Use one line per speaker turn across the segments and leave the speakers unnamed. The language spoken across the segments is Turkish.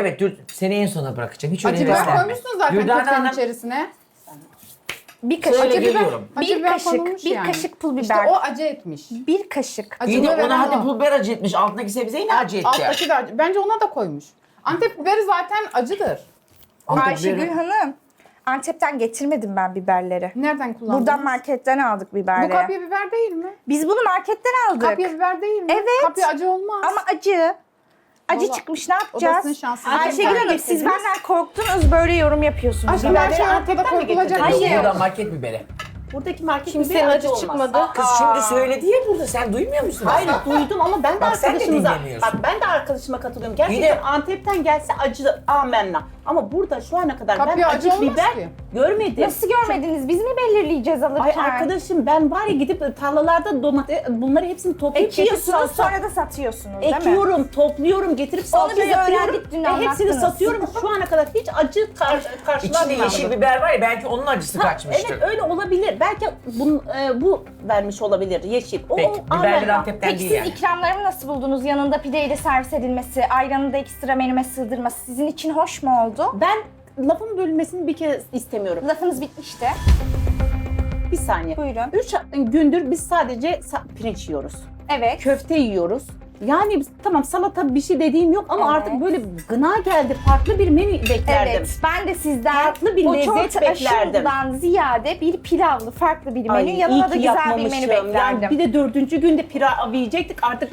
Evet, seni en sona bırakacağım. Hiç
Acı
önemli
biber
değil.
koymuşsun zaten
Dürdane
köftenin
Hanım,
içerisine.
Bir kaşık
Şöyle
acı biber.
geliyorum.
Acı
Bir
biber
kaşık,
konulmuş
bir
yani.
kaşık pul biber.
İşte o acı etmiş.
Bir kaşık.
Acı
İyi de
biber
ona hadi
o.
pul biber acı etmiş. Altındaki sebzeyi ne acı etti?
Alttaki de acı. Bence ona da koymuş. Antep biberi zaten acıdır.
Antep
Ayşegül
biberi-
Hanım, Antep'ten getirmedim ben biberleri.
Nereden kullandınız?
Buradan marketten aldık
Bu
biberleri.
kapya biber değil mi?
Biz bunu marketten aldık.
Kapya biber değil mi?
Evet.
Kapya acı olmaz.
Ama acı. Acı
Vallahi
çıkmış, ne
odasının
yapacağız?
şansı.
Ayşegül
Antep'ten
Hanım, siz
getirdiniz.
benden korktunuz, böyle yorum yapıyorsunuz.
Aşkım her şey
Biberleri
ortada
Antep'ten mi
korkulacak bir
getirdiniz?
şey
Yok,
yok.
buradan market biberi.
Buradaki market
Kimsenin
biberi
acı
olmaz.
çıkmadı.
Kız şimdi söyledi ya burada. Sen duymuyor musun?
Hayır duydum ama ben de
Bak sen de
arkadaşımıza
dinlemiyorsun.
bak ben de arkadaşıma katılıyorum.
İyi
Gerçekten
de-
Antep'ten gelse acı amenna. Ama burada şu ana kadar ben
Kapya acı
acı
olmaz
biber
ki.
görmedim.
Nasıl görmediniz? Biz mi belirleyeceğiz alırken?
Ay arkadaşım ben var ya gidip tarlalarda domates bunları hepsini toplayıp getirip
Ekiyorsunuz,
salsa-
sonra da satıyorsunuz, değil mi?
ekiyorum, topluyorum, getirip salça
biz
yapıyorum
öğrendik, dün
ve hepsini
anlattınız.
satıyorum. Şu ana kadar hiç acı
İçinde
karşılanmadı.
yeşil biber var ya, belki onun acısı kaçmıştır.
Evet öyle olabilir. Belki bu vermiş olabilir yeşil. O
Peki, biberleri
amenna.
Antep'ten
Peki
değil
siz
yani.
ikramlarımı nasıl buldunuz? Yanında pideyle servis edilmesi, ayranı da ekstra menüme sığdırması sizin için hoş mu oldu?
Ben lafın bölünmesini bir kez istemiyorum.
Lafınız bitmişti.
Bir saniye.
Buyurun.
3 gündür biz sadece pirinç yiyoruz.
Evet.
Köfte yiyoruz. Yani tamam salata bir şey dediğim yok ama
Evet.
artık böyle gına geldi. Farklı bir menü beklerdim.
Evet, ben de sizden
Farklı bir
o
lezzet
çorta
beklerdim.
aşımdan ziyade bir pilavlı farklı bir menü,
Ay, iyi
yanına da
ki
güzel bir
yapmamışım.
menü beklerdim.
Yani bir de 4. günde pilav yiyecektik artık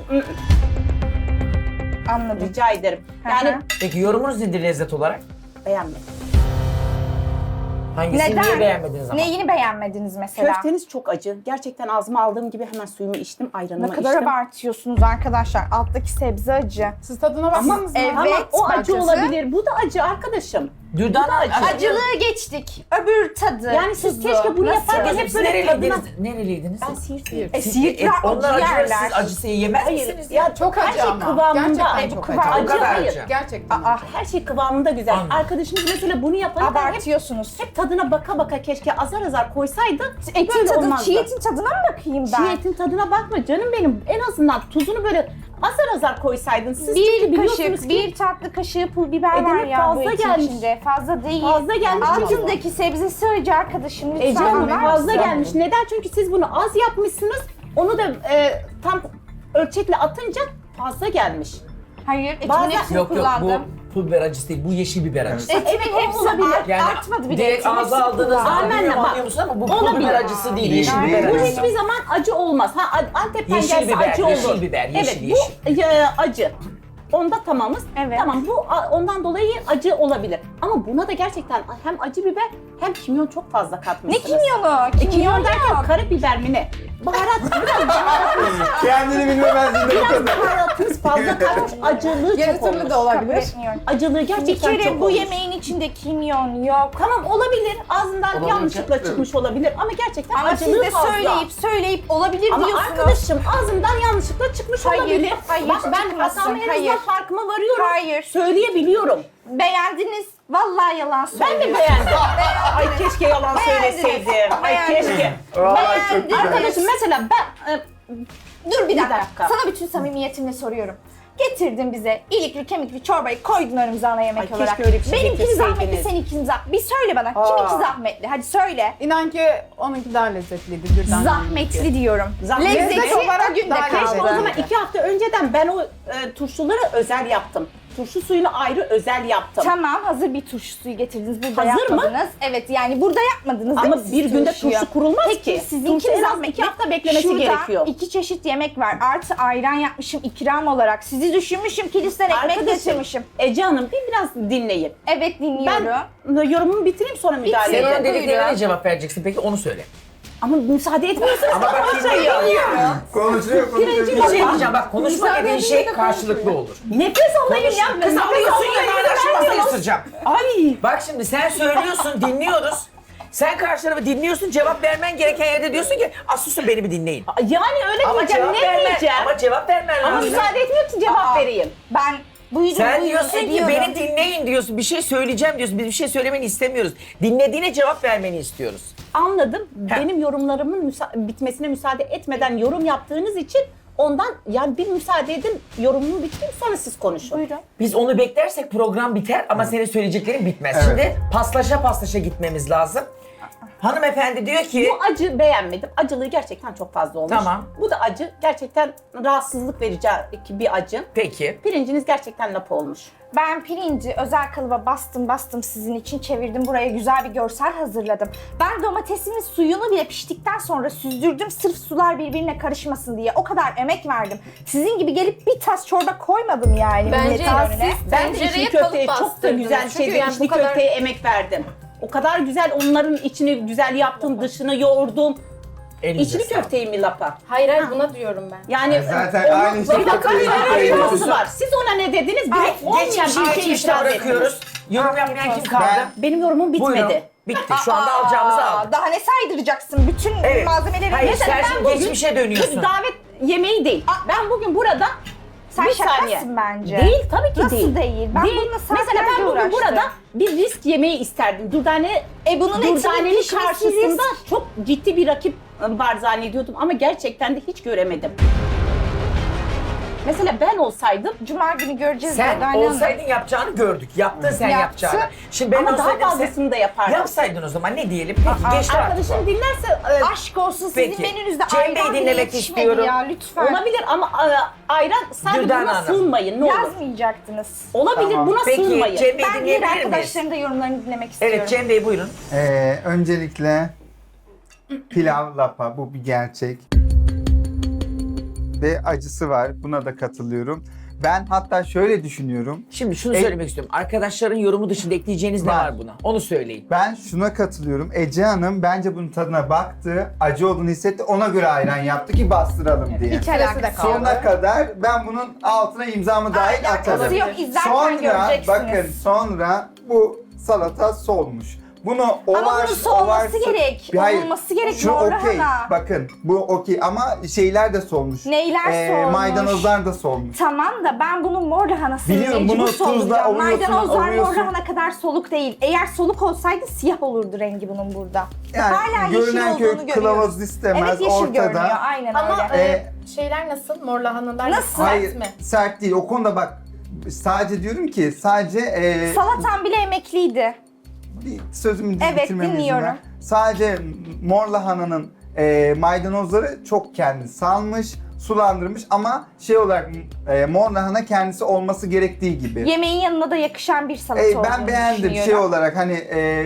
Anladım.
rica ederim. Yani
Hı hı.
Peki yorumunuz nedir lezzet olarak?
beğenmedim.
Hangisini
Neden?
niye beğenmediniz ama?
Neyini beğenmediniz mesela?
Köfteniz çok acı. Gerçekten ağzıma aldığım gibi hemen suyumu içtim,
Ne
ayranımı
kadar
içtim.
abartıyorsunuz arkadaşlar. Alttaki sebze acı.
Siz tadına
Ama
baksanız mı?
evet.
tamam, o acı
acısı.
olabilir. Bu da acı arkadaşım.
Dürdane acı.
Acılığı geçtik. Öbür tadı.
Yani siz
tuzu.
keşke bunu
Nasıl?
yaparken hep böyle tadına...
Nereliydiniz? Nereliydiniz?
Ben Siirtliyim.
Siirtliler
Onlar
acı
acıları
yerler.
siz acısı yemez
Hayır,
misiniz?
ya
Çok
her
acı
şey
ama.
kıvamında.
Gerçekten
bu
çok
kıvam-
acı.
O kadar
hayır.
acı.
Gerçekten
Aa,
acı.
Her şey kıvamında güzel.
Anladım.
Arkadaşımız mesela bunu yaparken
Abartıyorsunuz.
hep tadına baka baka keşke azar azar koysaydı.
Etin
böyle
tadı,
olmazdı.
çiğ etin tadına mı bakayım ben?
Çiğ etin tadına bakma canım benim. En azından tuzunu böyle azar azar koysaydın. Siz çünkü
Bir
biliyorsunuz
kaşık,
ki
bir tatlı kaşığı pul biber var
demek
ya bu
fazla
etin
gelmiş.
içinde. Fazla değil.
Fazla gelmiş.
Altındaki sebzesi acı arkadaşım. Lütfen
Ece Hanım
anlar
fazla
mısın?
gelmiş. Neden? Çünkü siz bunu az yapmışsınız. Onu da tam ölçekle atınca fazla gelmiş.
Hayır, etimin
Bazen-
hepsini
Yok yok,
kullandım.
bu pul biber acısı değil, bu yeşil biber acısı.
Etimin
Evet,
hepsi
olabilir.
Yani
artmadı bile.
direkt
Etimin
ağza
hepsini
aldığınızda
kullandım.
Amenna,
bilmiyorum
bak.
anlıyor musun ama bu pul
Olabilir.
biber acısı değil, yeşil
Hayır.
biber
Bu
acısı.
hiçbir zaman acı olmaz. Antep'ten
Yeşil
gelse
biber,
acı olur.
yeşil biber, yeşil,
evet, bu acı. Onda tamamız.
Evet.
Tamam bu ondan dolayı acı olabilir. Ama buna da gerçekten hem acı biber hem kimyon çok fazla
Ne
katmışsınız.
kimyonu?
Kimyon
Kimyon
derken
yok.
karabiber mi ne? Baharat biraz
Kendini bilmemezliğinde bu kadar.
baharatınız fazla katmış. Acılığı
Yarı
çok
türlü
olmuş.
de
Kabul
olabilir.
etmiyorum.
Acılığı
Bir
gerçekten
kere
çok
bu
olmuş.
yemeğin içinde kimyon yok.
Tamam olabilir. Ağzından
Olabilir.
yanlışlıkla çıkmış olabilir ama gerçekten
Ama siz
acılığı
de
fazla.
söyleyip olabilir
Ama
diyorsunuz.
arkadaşım ağzımdan yanlışlıkla çıkmış
Hayır,
olabilir.
hayır,
Bak ben
çıkmasın,
hatamı en
hayır.
azından farkıma varıyorum.
Hayır.
Söyleyebiliyorum.
Beğendiniz. Vallahi yalan
Ben
söylüyorsunuz.
de beğendim. Ay keşke yalan
Beğendiniz.
söyleseydim. Ay
Beğendiniz.
keşke.
Vallahi çok güzel.
Arkadaşım mesela ben
Dur bir dakika.
dakika.
Sana bütün samimiyetimle soruyorum. Getirdin bize ilikli kemikli çorbayı koydun önümüze ana yemek
Ay,
olarak.
keşke öyle bir şey
Benimki zahmetli,
getirseydiniz.
seninki zahmetli. Bir söyle bana.
Aa.
Kiminki zahmetli? Hadi söyle.
İnan ki onunki daha lezzetliydi. Birden
Zahmetli diyorum.
Zahmetli
Lezzeti
olarak
o günde
daha
keşke
kaldı.
o zaman 2 hafta önceden ben o turşuları özel yaptım. Turşu suyunu ayrı özel yaptım.
Tamam, hazır bir turşu suyu getirdiniz. Burada
Hazır mı?
yapmadınız. Evet, yani burada yapmadınız değil
Ama
mi siz
bir günde
turşuyu?
turşu kurulmaz
Peki,
ki.
sizinki
Turşu en az
zahmetli.
2 hafta beklemesi
Şurada
gerekiyor.
2 çeşit yemek var. Artı ayran yapmışım ikram olarak. Sizi düşünmüşüm, kilisten ekmek getirmişim.
Ece Hanım biraz dinleyin.
Evet, dinliyorum.
Ben yorumumu bitireyim sonra müdahale
Senin
edin.
o dediklerine
Buyurun.
ne cevap vereceksin peki, onu söyle.
Ama müsaade etmiyorsunuz.
Ama bak
konuşuyor.
Konuşuyor konuşuyor.
Bir şey diyeceğim, bak konuşma dediğin şey karşılıklı olur.
Nefes alayım ya.
Kız alıyorsun ya, ben şu masayı
vermiyorsun.
ısıracağım.
Ay.
Bak şimdi sen söylüyorsun, dinliyoruz. Sen karşı tarafı dinliyorsun, cevap vermen gereken yerde diyorsun ki susun beni bir dinleyin.
Yani öyle
Ama
diyeceğim.
cevap
Ne
vermen,
diyeceğim?
ama cevap vermen
Ama
lazım.
müsaade etmiyor ki cevap
Aa.
vereyim.
Ben buyurun
Sen
buyurun
diyorsun ki
ediyorum.
beni dinleyin diyorsun, bir şey söyleyeceğim diyorsun, biz bir şey söylemeni istemiyoruz. Dinlediğine cevap vermeni istiyoruz.
Anladım.
Heh.
Benim yorumlarımın bitmesine müsaade etmeden yorum yaptığınız için Ondan yani bir müsaade edin, yorumumu bitireyim sonra siz konuşun.
Buyurun.
Biz onu beklersek program biter ama senin söyleyeceklerin bitmez.
Evet.
Şimdi paslaşa gitmemiz lazım. Hanımefendi diyor ki...
Bu acı beğenmedim. Acılığı gerçekten çok fazla olmuş.
Tamam.
Bu da acı. Gerçekten rahatsızlık verici bir acı.
Peki.
Pirinciniz gerçekten lapa olmuş.
Ben pirinci özel kalıba bastım sizin için çevirdim. Buraya güzel bir görsel hazırladım. Ben domatesimin suyunu bile piştikten sonra süzdürdüm. Sırf sular birbirine karışmasın diye. O kadar emek verdim. Sizin gibi gelip bir tas çorba koymadım yani.
Bence
milletin önüne.
Ben de
tencereye
içli köfteye
kalıp
çok da
bastırdınız.
güzel
Çünkü
şeyde
yani
içli
bu kadar-
köfteye emek verdim. O kadar güzel onların içini güzel yaptım, dışını yoğurdum.
Elinize
İçli
sağlık.
köfteyi mi lapa?
Hayır bunu diyorum ben.
Yani
Zaten
onun-
aynı şey
bir dakika
köfteyi
bir
yapıyoruz.
konusu var. Siz ona ne dediniz? Bir olmayan bir şey
Geçmişte
itiraz
bırakıyoruz.
ettiniz.
Yorum yapmayan kim kaldı?
Benim yorumum bitmedi.
Buyurun. Bitti. Şu anda alacağımızı aldık.
Daha ne saydıracaksın? Bütün
Evet.
malzemeleri
Hayır,
mesela
sen şimdi geçmişe dönüyorsun.
Bir davet yemeği değil. Ben bugün burada
sen
bir
şakasın
saniye.
bence.
Değil tabii ki
Nasıl
değil.
değil? Ben bununla
Mesela ben
saatlerce
bugün
uğraştım.
burada bir risk yemeği isterdim.
Bunun etinin
Durdane'nin
pişmesi
karşısında
risk.
çok ciddi bir rakip var zannediyordum ama gerçekten de hiç göremedim. Mesela ben olsaydım
Cuma günü göreceğiz.
Sen
Durdane Hanım.
olsaydın yapacağını gördük. Yaptın sen
Yaptı.
yapacağını. Şimdi ben
ama daha
olsaydım
fazlasını da yapardım.
yapsaydın o zaman ne diyelim? Peki geçti artık.
Arkadaşım dinlerse
Aşk olsun sizin
Peki.
menünüzde
Cem
ayran
Bey'i
bile
dinlemek
yetişmedi
istiyorum.
ya lütfen.
olabilir ama ayran sadece
Dürdane
buna
Hanım.
sığınmayın ne olur.
Yazmayacaktınız.
Olabilir
Tamam.
buna
Peki
sığınmayın.
Cem Bey'i
Ben diğer
dinleyebilir miyiz?
arkadaşların da yorumlarını dinlemek istiyorum.
Evet Cem Bey buyurun.
Öncelikle pilav lapa, bu bir gerçek. Ve acısı var, buna da katılıyorum. Ben hatta şöyle düşünüyorum.
Şimdi şunu söylemek istiyorum. Arkadaşların yorumu dışında ekleyeceğiniz ne
Var.
var buna? Onu söyleyin.
Ben şuna katılıyorum. Ece Hanım bence bunun tadına baktı, acı olduğunu hissetti, ona göre ayran yaptı ki bastıralım diye.
İç arası da kaldı.
Sonuna kadar ben bunun altına imzamı dahil atarım.
Alakası yok. İzlerken
Sonra
göreceksiniz.
bakın sonra bu salata solmuş. Bunu
bunun solması gerek.
Hayır,
Olması gerek
şu
Nurhan
okey.
Hanım.
Bakın bu okey ama şeyler de solmuş.
Neyler solmuş?
Maydanozlar da solmuş.
Tamam da ben bunun mor lahanasını
Biliyorum,
mecbur
bunu tuzla
solacağım.
ovuyorsun,
Maydanozlar mor
ovuyorsun.
lahana kadar soluk değil. Eğer soluk olsaydı siyah olurdu rengi bunun burada.
Yani
Hala yeşil
görünen
olduğunu
köy
görüyoruz.
kılavuz istemez
Evet yeşil görünüyor.
ortada.
Aynen
Ama
öyle.
şeyler nasıl? Mor lahanalar
Nasıl?
sert
Hayır
mi?
sert değil. O konuda bak sadece diyorum ki sadece
Salatan bile emekliydi.
bir sözümü
Evet,
bitirmeme izin
dinliyorum.
ver. Sadece mor lahananın maydanozları çok kendi salmış, sulandırmış ama şey olarak mor lahana kendisi olması gerektiği gibi.
Yemeğin yanına da yakışan bir salata olduğunu
Ben beğendim
düşünüyorum.
şey olarak hani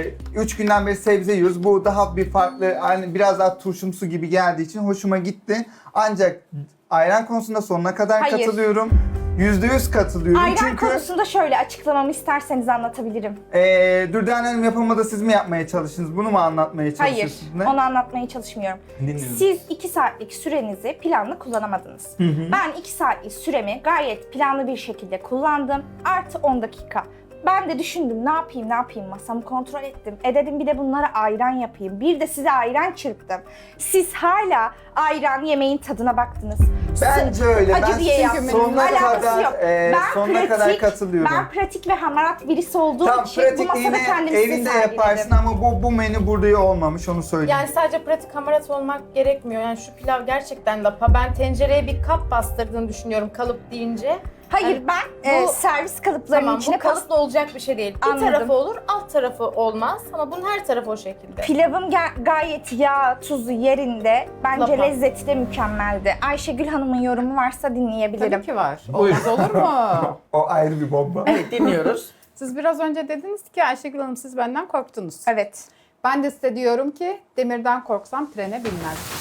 3 günden beri sebze yiyoruz. Bu daha bir farklı hani biraz daha turşumsu gibi geldiği için hoşuma gitti. Ancak ayran konusunda sonuna kadar
Hayır.
katılıyorum. %100 katılıyorum
Ayran
çünkü
konusunda şöyle açıklamamı isterseniz anlatabilirim.
Dürdane Hanım yapımında siz mi yapmaya çalıştınız? Bunu mu anlatmaya
Hayır,
çalışıyorsunuz? Ne?
onu anlatmaya çalışmıyorum.
Dinliyorum.
Siz 2 saatlik sürenizi planlı kullanamadınız. Ben 2 saatlik süremi gayet planlı bir şekilde kullandım. Artı 10 dakika. Ben de düşündüm ne yapayım masamı kontrol ettim. Dedim bir de bunlara ayran yapayım. Bir de size ayran çırptım. Siz hala ayran yemeğin tadına baktınız.
Bence öyle.
Acı
Ben
diye
çünkü
yaptım.
sonuna
Alakası
kadar,
yok.
sonuna kadar katılıyorum.
Ben pratik ve hamarat birisi olduğum
Tam
için bu
pratik
masada
yine
kendimi size
evinde
sergiledim.
yaparsın ama bu menü burada olmamış onu söyleyeyim.
Yani sadece pratik hamarat olmak gerekmiyor. Yani şu pilav gerçekten lapa. Ben tencereye bir kap bastırdığını düşünüyorum kalıp deyince.
Hayır
Yani
ben
bu-
servis kalıplarının
Tamam
içine
bu kalıpla olacak bir şey değil. Bir
Anladım.
tarafı olur, alt tarafı olmaz ama bunun her tarafı o şekilde.
Pilavım gayet yağ, tuzu yerinde. Bence
Lapa.
lezzeti de mükemmeldi. Ayşegül Hanım'ın yorumu varsa dinleyebilirim.
Tabii ki var. Olmaz olur mu?
O ayrı bir bomba.
Evet dinliyoruz.
Siz biraz önce dediniz ki Ayşegül Hanım siz benden korktunuz.
Evet.
Ben de size diyorum ki demirden korksam trene binmez.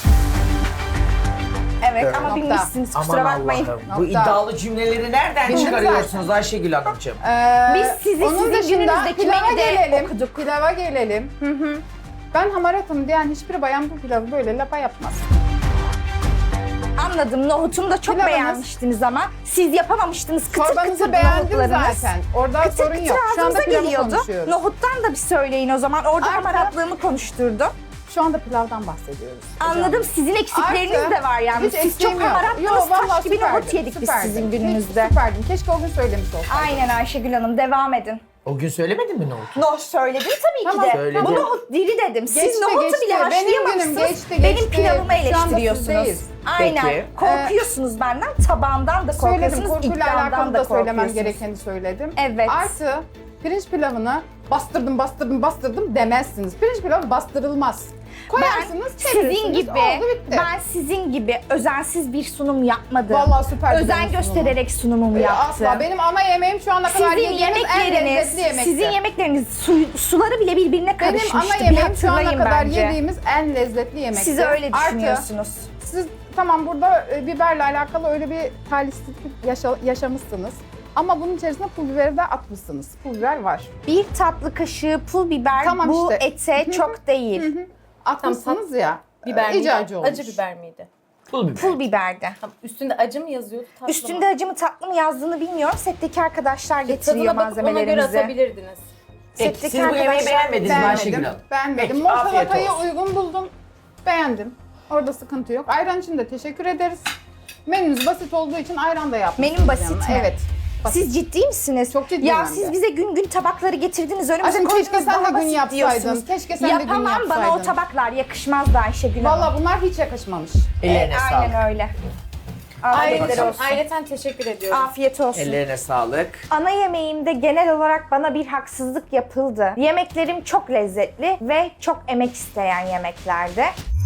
Evet
Evet.
ama
Nokta.
bilmişsiniz
Aman
kusura bakmayın.
Allah'ım. Bu
Nokta.
iddialı cümleleri nereden
Bildim
çıkarıyorsunuz Ayşegül Hanımcığım?
Biz sizi
Onun
sizin
dışında
gününüzdeki
pilava
menüde
gelelim.
okuduk.
Pilava gelelim. Ben hamaratım diyen hiçbir bayan bu pilavı böyle lapa yapmaz.
Anladım. Nohutumu da çok
Pilavınız-
beğenmiştiniz ama siz yapamamıştınız. Kıtır
Çorbanızı
kıtır
beğendim
nohutlarınız.
zaten. Orada
Kıtır
sorun
kıtır
yok. Şu anda
ağzımıza
pilavı
geliyordu.
konuşuyoruz.
Nohuttan da bir söyleyin o zaman. Orada
Artı-
hamaratlığımı konuşturdu.
Şu anda pilavdan bahsediyoruz.
Anladım. Sizin eksikleriniz
Artı-
de var yani.
Hiç
Siz
eksiğim
çok
yok.
hamarattınız.
vallahi
Taş gibi nohut
süperdim,
yedik biz
süperdim.
sizin
Hiç
gününüzde.
Süperdim. Keşke o gün söylemiş olsaydım.
Aynen Ayşegül Hanım. Devam edin.
O gün söylemedin mi nohutu?
Nohut söyledim tabii
Tamam,
ki de.
söyledim.
Bu nohut diri dedim. Siz
Geçti,
nohutu
geçti.
bile
Benim
haşlayamamışsınız.
geçti,
benim
geçti.
pilavımı
Şu anda
eleştiriyorsunuz.
sizdeyiz.
Aynen.
Peki.
Korkuyorsunuz benden, tabağımdan da
Söyledim,
korkuyorsunuz,
korkuyla
iddiamdan
alakalı
da
da söylemem
korkuyorsunuz.
gerekeni söyledim.
Evet.
Artı pirinç pilavını bastırdım demezsiniz. Pirinç pilavı bastırılmaz. Koyarsınız,
Ben sizin
çevirirsiniz,
gibi,
oldu bitti.
ben sizin gibi özensiz bir sunum yapmadım.
Vallahi süper güzel
Özen
bir sunum.
göstererek sunumumu yaptım.
Asla. Benim ana yemeğim şu ana kadar
Sizin
yediğiniz en
yemekleriniz,
lezzetli yemekti.
sizin yemekleriniz suları bile birbirine
Benim
karışmıştı.
ana
Bir
yemeğim şu ana
hatırlayın
kadar
bence.
yediğimiz en lezzetli yemekti.
Siz öyle
Artı,
düşünüyorsunuz.
siz tamam burada biberle alakalı öyle bir talihsizlik yaşamışsınız. Ama bunun içerisine pul biberi de atmışsınız. Pul biber var.
Bir tatlı kaşığı pul biber
Tamam
bu
işte.
ete çok değil.
Atmışsınız ya.
Biber miydi?
İyice acı olmuş.
Acı biber miydi?
Pul biber.
Pul biberde.
Tamam, üstünde acı mı yazıyordu? Tatlı
Üstünde
mı?
acı mı tatlı mı yazdığını bilmiyorum. Setteki arkadaşlar getiriyor
Tadına bakıp ona göre
malzemelerimizi.
atabilirdiniz.
Peki,
Setteki
siz bu yemeği
arkadaşlar
beğenmediniz mi Ayşegül
Beğenmedim.
Hanım?
Beğenmedim.
Peki,
Mor
afiyet
salatayı
olsun.
uygun buldum. Beğendim. Orada sıkıntı yok. Ayran için de teşekkür ederiz. Menünüz basit olduğu için ayran da yapmışsınız.
Menüm basit
yanına.
mi?
Evet. Basit.
Siz ciddi misiniz?
Çok ciddiyim
Ya
hem
siz
de.
bize gün gün tabakları getirdiniz. Önümüze
Aşkım
koydunuz,
keşke sen
daha
de gün
basit
yapsaydın.
diyorsunuz.
Keşke sen de gün
Yapamam, bana o
yapsaydın.
tabaklar yakışmazdı Ayşegül Hanım.
Valla bunlar hiç yakışmamış.
Ellerine sağlık.
Aynen öyle. Afiyetler
Ayrıca
olsun.
ayrıca teşekkür ediyorum.
Afiyet olsun.
Ellerine sağlık.
Ana yemeğimde genel olarak bana bir haksızlık yapıldı. Yemeklerim çok lezzetli ve çok emek isteyen yemeklerdi.